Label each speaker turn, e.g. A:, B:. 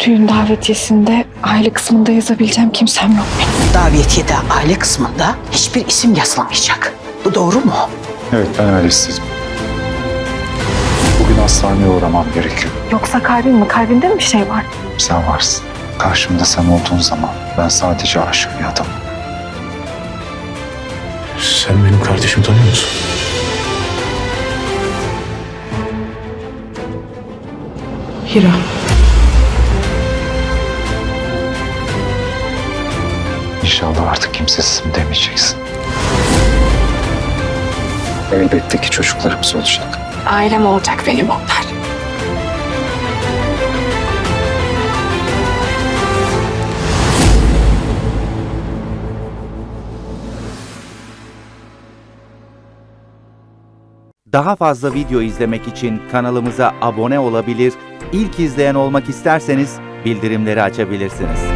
A: Düğün davetiyesinde aile kısmında yazabileceğim kimsem yok benim.
B: Davetiyede aile kısmında hiçbir isim yazılamayacak. Bu doğru mu?
C: Evet, ben öyle istedim. Bugün hastaneye uğramam gerekiyor.
A: Yoksa kalbin mi? Kalbinde mi bir şey var?
C: Sen varsın. Karşımda sen olduğun zaman ben sadece aşık bir adamım.
D: Sen benim kardeşimi tanıyor musun?
B: Hira.
C: İnşallah artık kimsesizim demeyeceksin. Elbette ki çocuklarımız olacak.
A: Ailem olacak benim onlar.
E: Daha fazla video izlemek için kanalımıza abone olabilir, ilk izleyen olmak isterseniz bildirimleri açabilirsiniz.